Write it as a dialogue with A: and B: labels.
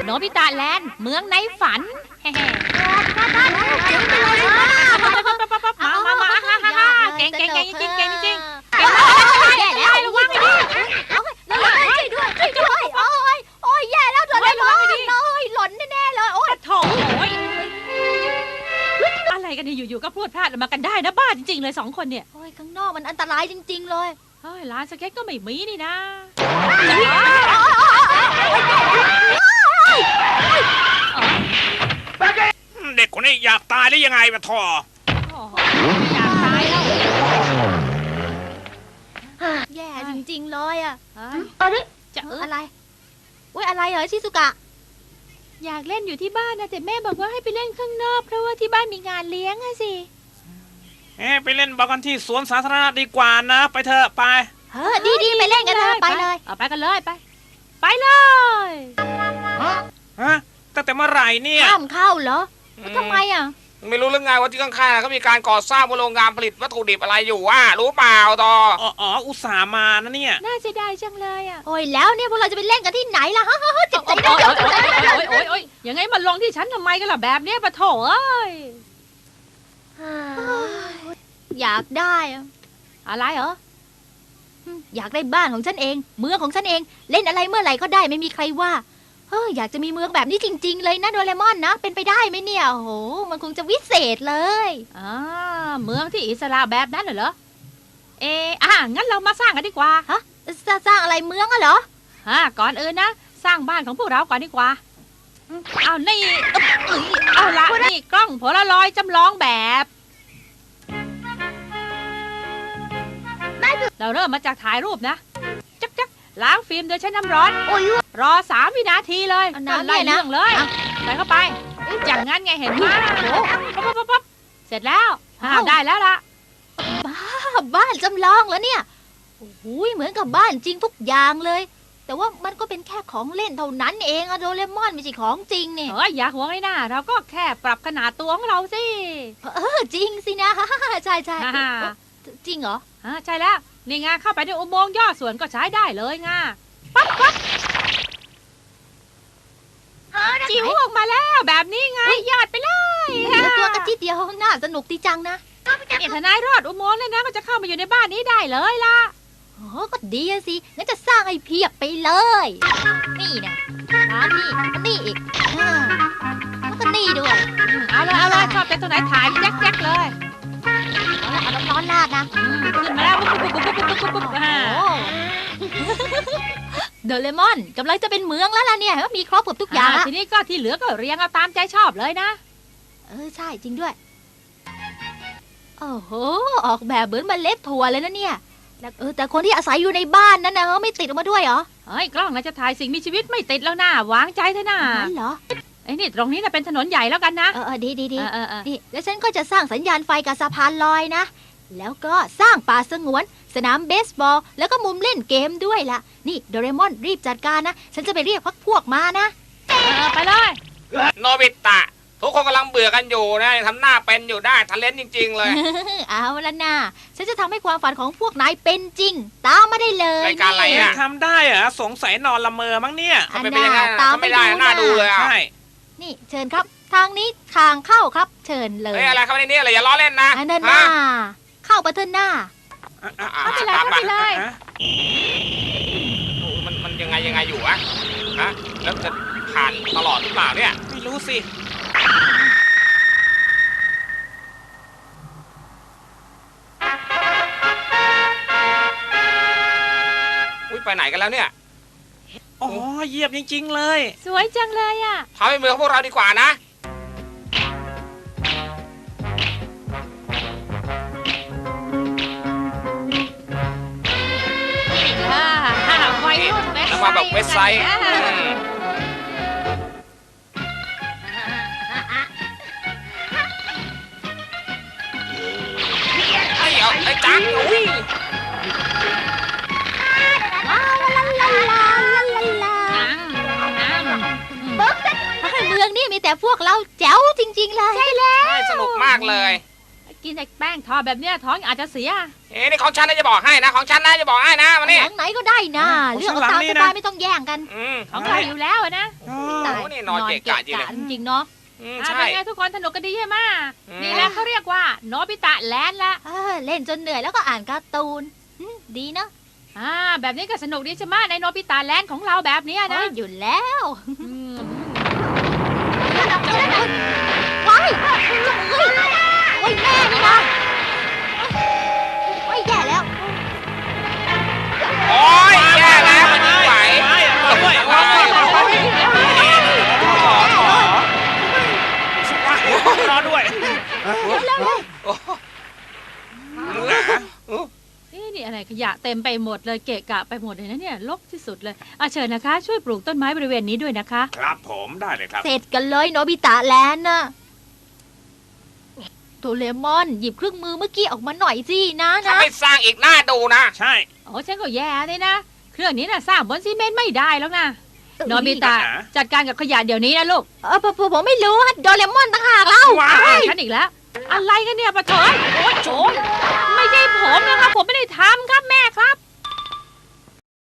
A: โนบิตะแลนด์เมืองในฝันเฮ้ๆมาเก่งจริงจริงแย่แล้วระวังให้ดีช่วยด้วยโอ้ยแย่แล้วโดนเลยหล่นแน่ๆเลยโอ้ยโถ่อะไรกันเนี่ยอยู่ๆก็พรวดพลาดมากันได้นะบ้าจริงๆเลย2 คนเนี่ย
B: โอ้ยข้างนอกมันอันตรายจริงๆเลย
A: เฮ้ยร้านสเก็ตก็ไม่มีนี่นะ
C: เด็กคนนี้อยากตายหรือยังไงวะทอ
A: อยากตายแล้ว
B: แย่จริงๆเลยอ่ะ
A: จะ
B: อะไรอุ้ยอะไรเหรอชิซุกะ
A: อยากเล่นอยู่ที่บ้านนะแต่แม่บอกว่าให้ไปเล่นข้างนอกเพราะว่าที่บ้านมีงานเลี้ยงอะสิ
C: ไปเล่นบอลกันที่สวนสาธารณะดีกว่านะไปเถอะไป
B: ดีไปเล่นกันเถอะไปเลย
A: ไปกันเลยไปเลย
C: ตั้งแต่เมื่อไหร่เนี่ย
B: ห้ามเข้าเหรอทำไมอ่ะ
D: ไม่รู้เรื่องไงว่าที่ข้างๆเขามีการก่อสร้างโรงงานผลิตวัตถุดิบอะไรอยู่รู้เปล่าต่อ
C: อุตส่าห์มานะเนี่ย
A: น่าเสียดายจังเลยอ่ะ
B: โอ้ยแล้วเนี่ยพวกเราจะไปเล่นกันที่ไหนล่ะจิตใจ
A: โอ้ยยังไงมันลงที่ฉันทำไมกันล่ะแบบนี้ปะโถเอ้ย
B: อยากได้
A: อะไรเหรอ
B: อยากได้บ้านของฉันเองเมืองของฉันเองเล่นอะไรเมื่อไหร่ก็ได้ไม่มีใครว่าอยากจะมีเมืองแบบนี้จริงๆเลยนะโดเรมอนนะเป็นไปได้ไหมเนี่ยโอ้โหมันคงจะวิเศษเลย
A: เมืองที่อิสระแบบนั้นเหรองั้นเรามาสร้างกันดีกว่า
B: สร้างอะไรเมืองอะเหรอ
A: ก่อนอื่นนะสร้างบ้านของพวกเราก่อนดีกว่าเอานี่เอาละนี่กล้องโพลารอยด์จำลองแบบเราเริ่มมาจากถ่ายรูปนะจักล้างฟิล์มโดยใช้น้ำร้อนรอ3 วินาทีเลยไล่เรื่องเลยใส่เข้าไปอย่างงั้นไงเห็นไหมปั๊บเสร็จแล้วได้แล้วล่ะ
B: บ้านจำลองแล้วเนี่ยโอ้โหเหมือนกับบ้านจริงทุกอย่างเลยแต่ว่ามันก็เป็นแค่ของเล่นเท่านั้นเองอะโดเรมอนไม่ใช่ของจริงเนี่ย
A: อย่าห่วงเลยนะเราก็แค่ปรับขนาดตัวของเราสิ
B: จริงสินะใช่จริงเหรอ
A: ใช่แล้วนี่ไงเข้าไปในอุโมงค์ย่อส่วนก็ใช้ได้เลยไงปั๊บจิ๋วออกมาแล้วแบบนี้ไงยอดไปเลย
B: ตัวกระจิตเดียวน่าสนุกดีจังนะ
A: ถ้านายรอดอุโมงค์เลยนะก็จะเข้ามาอยู่ในบ้านนี้ได้เลยล่ะ
B: ก็ดีสิงั้นจะสร้างให้เพียบไปเลยนี่นะนี่อีกแล้วก็นี่ด้วย
A: เอาเลยชอบเป็นตัวไหนถ่ายแจ๊กเลย
B: เอาน้ำร้อนราดนะ
A: ขึ้นมาแล้ว
B: โดเรมอนกำลังจะเป็นเมืองแล้วล่ะเนี่ยมีครบทุกอย่าง
A: ทีนี้ก็ที่เหลือก็เรียงเอาตามใจชอบเลยนะ
B: ใช่จริงด้วยโอ้โหออกแบบเหมือนเมล็ดถั่วเลยนะเนี่ยแต่คนที่อาศัยอยู่ในบ้านนั้นนะไม่ติดออกมาด้วยเหรอ
A: กล้องเราจะถ่ายสิ่งมีชีวิตไม่ติดแล้วนะวางใจเถอะนะ
B: นั่นเหรอ
A: นี่ตรงนี้นะเป็นถนนใหญ่แล้วกันนะ
B: ดีนี่แล้วฉันก็จะสร้างสัญญาณไฟกับสะพานลอยนะแล้วก็สร้างป่าสงวนสนามเบสบอลแล้วก็มุมเล่นเกมด้วยล่ะนี่โดเรมอนรีบจัดการนะฉันจะไปเรียกพวกมานะ
A: ไปเลย
D: โนบิตะทุกคนกำลังเบื่อกันอยู่นะทำหน้าเป็นอยู่ได้ทะเลนจริงๆเลย
B: เอาละนะฉันจะทำให้ความฝันของพวกนายเป็นจริงตามมาได้เลย
D: รายการอะไรอะ
C: ทำได้เหรอสงสัยนอนละเมอมั้งเนี่ย
D: เป็นยังไงตามไม่ได้น่าดูเลย
C: ใช่
B: นี่เชิญครับทางนี้ทางเข้าครับเชิญเลย
D: อะไรครับในนี้อะไรอย่าล้อเล่นนะ
B: นั่นน่ะเข้าไปเถอะหน้า
A: ไม่เป็นไร
D: มันยังไงอยู่อะแล้วจะผ่านตลอดหรือเปล่าเนี่ย
C: ไม่รู้สิ
D: ไปไหนกันแล้วเนี่ย
C: เยี่ยมจริงๆเลย
A: สวยจังเลยอ่ะ
D: ทำให้เมืองพวกเราดีกว่านะ
A: ไว้รุ่นเว็บไซต์
D: มาแบบเว็บไซต์ไอ้จังอุ้ย
B: เมืองนี่มีแต่พวกเราแจ๋วจริงๆเลย
A: ใช่แล้ว
D: สนุกมากเลย
A: กินแต่แป้งทอดแบบเนี้ยท้องอาจจะเสีย
D: นี่ของฉันนะจะบอกให้นะของฉันนะจะบอกให้นะมา
B: ห
D: นี่
B: ลังไหนก็ได้นะเรื่องเอาตามสบายไม่ต้องแย่งกัน
A: ของเราอยู่แล้วอะนะ
B: ตาย
D: โอ้นี่นอนเกะกะจริงเลย
B: จริงๆเนาะ
D: ใช่
A: เป็นไงทุกคนสนุกกันดีใช่ไหม
D: อืม
A: นี่แหละเขาเรียกว่าโนบิตะแลนด์ละ
B: เล่นจนเหนื่อยแล้วก็อ่านการ์ตูนดีเนาะ
A: แบบนี้ก็สนุกดีใช่ไหมในโนบิตะแลนด์ของเราแบบเนี้ยนะ
B: อยู่แล้ว
A: อืม
B: ว้ายเฮ้ยโอ้ยแม่นี่นะว้ายแย่แล้ว
D: โอ้ยแย่แล้วมันไม่ไหว
C: รอด้วย
A: นี่อะไรขยะเต็มไปหมดเลยเกะกะไปหมดเลยนะเนี่ยรกที่สุดเลยเชิญนะคะ ช่วยปลูกต้นไม้บริเวณนี้ด้วยนะคะ
C: ครับผมได้เลยครับ
B: เสร็จกันเลยโนบิตะแลนด์น่ะโดเรมอนหยิบเครื่องมือเมื่อกี้ออกมาหน่อยสินะ
D: ถ้าไม่สร้างอีกหน้าดูนะ
C: ใช่
A: โอ้ฉันก็แย่เลยนะ เครื่องนี้น่ะสร้างบนซีเมนต์ไม่ได้แล้วนะโนบิตะจัดการกับขยะเดี๋ยวนี้นะลูก
B: ผมไม่รู้ฮะโดเรมอนต่างหากเล่า
A: ฉันอีกแล้ว อะไรกันเนี่ยปะเถยโอ้ยไม่ใช่ผมนะครับ